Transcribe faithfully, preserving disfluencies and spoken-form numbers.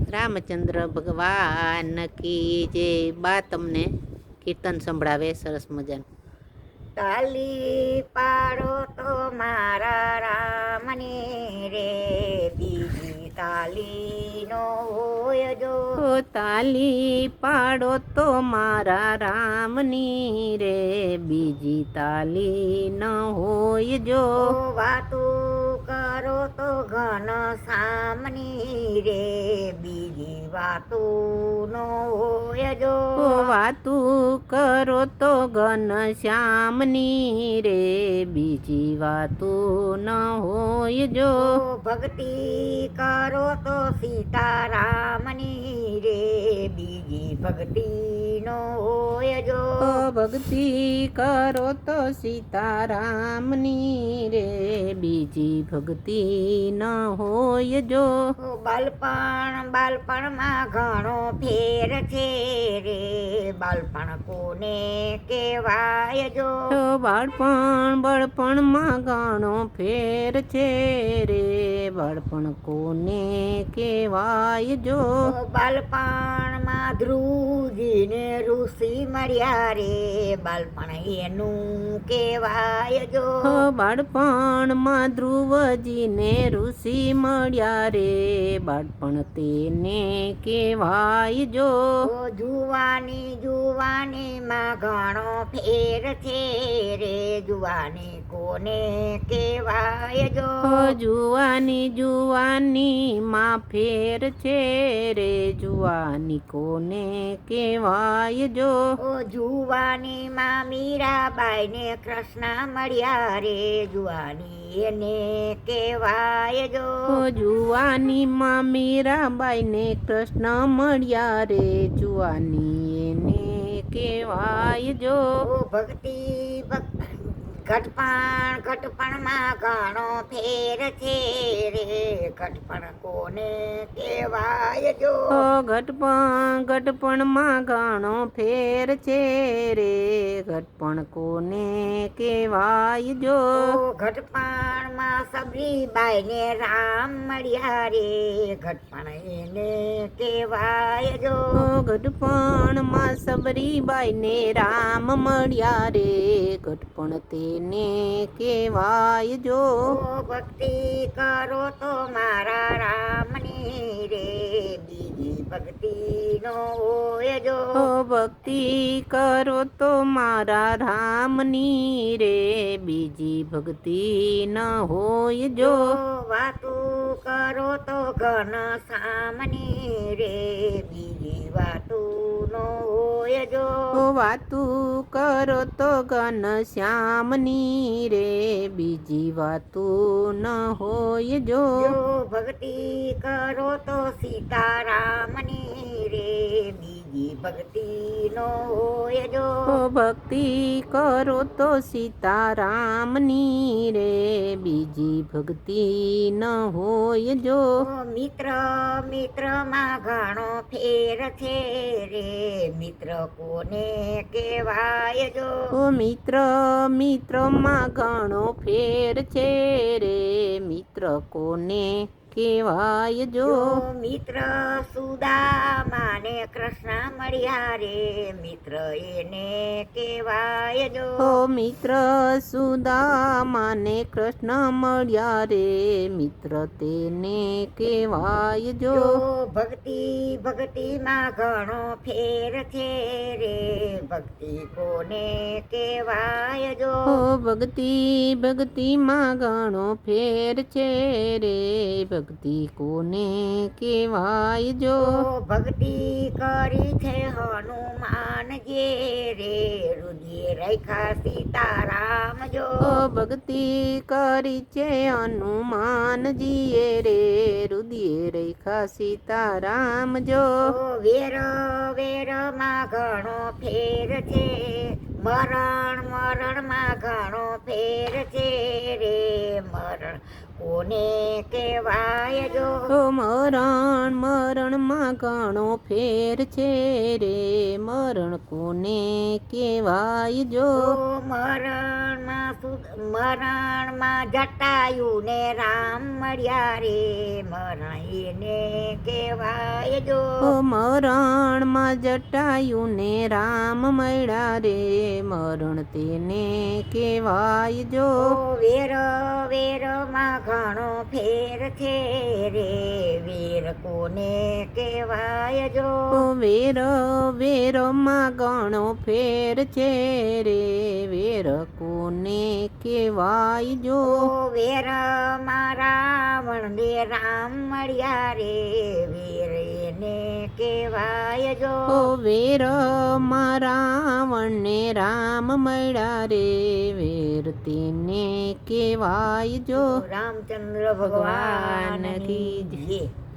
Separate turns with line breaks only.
રામચંદ્ર ભગવાન કી જય. બા તમને કીર્તન સંભળાવે સરસ મજાનું.
તાલી પાડો તો મારા રામની રે, બીજી તાલી નો હોય જો.
તાલી પાડો તો મારા રામની રે, બીજી તાલી ન હોય જો.
વાતું કરો તો ઘન સામની રે, બીજી વાતું નો હોય જો.
વાતું કરો તો ઘન શ્યામની રે, બીજી વાતું ન હોય જો.
ભક્તિ કરો તો સીતારામની રે, બીજી ભક્તિ નો હોય જો.
ભક્તિ કરો તો સીતારામની રે, બીજી ભક્તિ ન હોય જો.
બાલપણ બાલપણમાં ઘણો ફેર છે રે, બાલપણ કોને કહેવાય જો.
બાળપણ બળપણમાં ઘણો ફેર છે રે, બાળપણ કોને કહેવાય જો.
બાલપણમાં ધ્રુવજીને ઋષિ મળ્યા રે, બાલપણ એનું કહેવાય જો.
બાળપણમાં ધ્રુવજીને ઋષિ મળ્યા રે, બાળપણ તેને કહેવાય જો.
જુવાની જુવાનીમાં ઘણો ફેર છે રે, જુવાની કોને કહેવાય જો.
જુવાની જુવાની માં ફેર છે રે, જુવાની કોને કહેવાય જો.
જુવાની માં મીરાબાઈ ને કૃષ્ણ મળ્યા રે, જુવાની એને કહેવાય જો.
જુવાની માં મીરાબાઈ ને કૃષ્ણ મળ્યા રે, જુવાની એને કહેવાય જો.
ભક્તિ ઘટપણ ઘટપણમાં ઘણો ફેર છે રે, ઘટપણ કોને કહેવાય જો.
ઘટપણ ઘટપણમાં ઘણો ફેર છે રે, ઘટપણ કોને કહેવાય જો.
ઘટપણમાં સબરીબાઈ ને રામ મળ્યા રે, ઘટપણ એને કહેવાય જો.
ઘટપણમાં સબરીબાઈ ને રામ મળ્યા રે, ઘટપણ તેને કહેવાય જો.
ભક્તિ કરો તો મારા રામની રે, બીજી ભક્તિ નો હોય જો.
ભક્તિ કરો તો મારા રામની રે, બીજી ભક્તિ ન હોય જો.
વાતું કરો તો ઘન સામની રે, બીજી વાતું નો હોય જો.
વાતું કરો તો ઘન શ્યામની રે, બીજી વાતું ન હોય જો.
ભક્તિ કરો તો સીતારામની રે, બીજી ભક્તિ નો હોય જો.
ભક્તિ કરો તો સીતારામની રે, બીજી ભક્તિ ન હોય જો.
મિત્ર મિત્રમાં ઘણો ફેર છે રે, મિત્ર કોને કહેવાય જો.
મિત્ર મિત્રમાં ઘણો ફેર છે રે, મિત્ર કોને કહેવાય જો.
મિત્ર સુદામા ને કૃષ્ણ મળ્યા રે, મિત્ર એને કહેવાય જો.
મિત્ર સુદામા ને કૃષ્ણ મળ્યા રે, મિત્ર તેને કહેવાય જો.
ભક્તિ ભક્તિમાં ઘણો ફેર છે રે, ભક્તિ કોને કહેવાય જો.
ભક્તિ ભક્તિમાં ઘણો ફેર છે રે, ભક્તિ કોને કહેવાય જો.
ભક્તિ કરી છે હનુમાન જે રે, રુદિએ રેખા સીતારામ જો.
ભક્તિ કરી છે હનુમાનજીએ રે, રુદિએ રેખા સીતારામ જો.
વેર વેર માં ઘણો ફેર છે, મરણ મરણમાં ઘણો ફેર છે રે, મરણ કોને કહેવાય જો.
મરણ મરણમાં ઘણો ફેર છે રે, મરણ કોને કહેવાય જો.
મરણમાં મરણમાં જટાયુ ને રામ મળ્યા રે, મરણ એને કહેવાય જો
ઓ મરણમાં જટાયું ને રામ મળ્યા રે મરણ તેને કહેવાય જો
ઓ વેર વેરમાં ઘણો ફેર છે રે વેર કોને કહેવાય જો
ઓ વેર વેરમાં ઘણો ફેર છે રે વેર કોને કહેવાય જો
ઓ વેર રાવણ ને રામ મળ્યા રે વેર એને કહેવાય જો
ઓ વેર માં રાવણ ને રામ મળ્યા રે વેર તેને કહેવાય જો
રામચંદ્ર ભગવાન કી જય.